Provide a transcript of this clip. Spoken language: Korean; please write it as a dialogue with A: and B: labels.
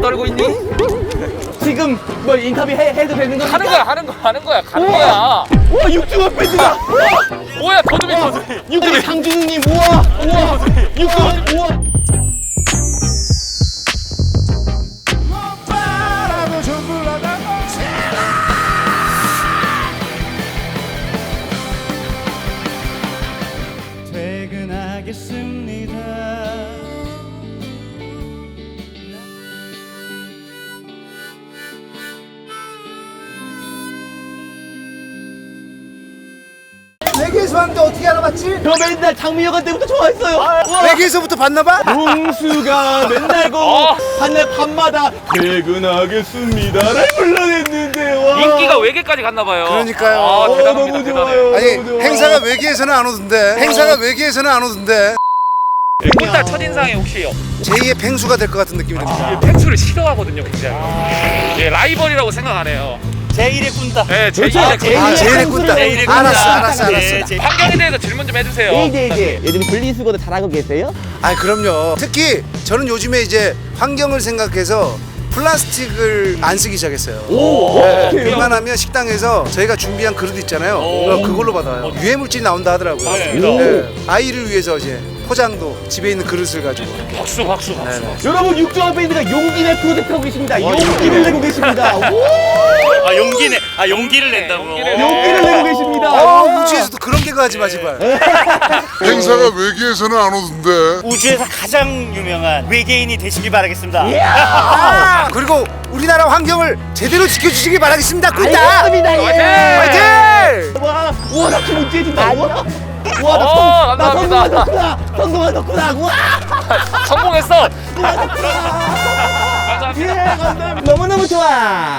A: 알고 있니?
B: 지금 뭐 인터뷰 해도 되는 겁니까?
A: 하는 거야. 가는 거야.
B: 와 육중한 밴드다.
A: 뭐야, 더듬이.
B: 육중한 상준우님 우와 육중한 우와.
C: 퇴근하겠습니다.
D: 외계에서 왔는데 어떻게 알아봤지?
B: 저 맨날 장미여관 때부터 좋아했어요.
D: 외계에서부터 봤나봐?
B: 용수가 맨날 한날 밤마다 퇴근하겠습니다를 불러냈는데 와.
A: 인기가 외계까지 갔나 봐요.
D: 그러니까요.
A: 아, 대단합니다.
B: 너무
A: 대단해.
B: 좋아요.
D: 아니
B: 너무 좋아.
D: 행사가 외계에서는 안 오던데. 행사가 외계에서는 안 오던데.
A: 꿀딸 첫인상이 혹시
D: 제2의 펭수가 될 것 같은 느낌이 듭니다.
A: 펭수를 싫어하거든요, 굉장히. 예, 라이벌이라고 생각 안 해요.
C: 제1의 꾼다.
A: 네,
B: 그렇죠.
A: 제2의
D: 제일의 꾼다.
C: 제일의
D: 알았어.
A: 환경에 대해서 질문 좀 해주세요.
B: 이제 요즘 분리수거도 잘하고 계세요?
D: 아 그럼요. 특히 저는 요즘에 이제 환경을 생각해서 플라스틱을 안 쓰기 시작했어요. 네, 웬만하면 식당에서 저희가 준비한 그릇 있잖아요. 그걸로 받아요. 유해 물질이 나온다 하더라고요.
A: 맞습니다.
D: 네, 아이를 위해서 이제 포장도 집에 있는 그릇을 가지고.
A: 박수.
B: 여러분 육중한 밴드가 용기 내 프로젝트 하고 계십니다. 용기를 내고 계십니다.
C: 용기를 낸다고.
B: 용기를 내고 계십니다.
D: 우주에서도 그런 개그 하지 마 제발.
E: 행사가 외계에서는 안 오던데.
C: 우주에서 가장 유명한 외계인이 되시길 바라겠습니다.
D: 아, 그리고 우리나라 환경을 제대로 지켜주시길 바라겠습니다. 꿀다.
B: 알겠습니다.
D: 화이팅!
B: 와, 우와 나 기분 째진다. 우와,
A: 오,
B: 나
A: 감사합니다.
B: 성공한 덕후다. 우와,
A: 성공했어.
B: 감사합니다. 너무너무 좋아.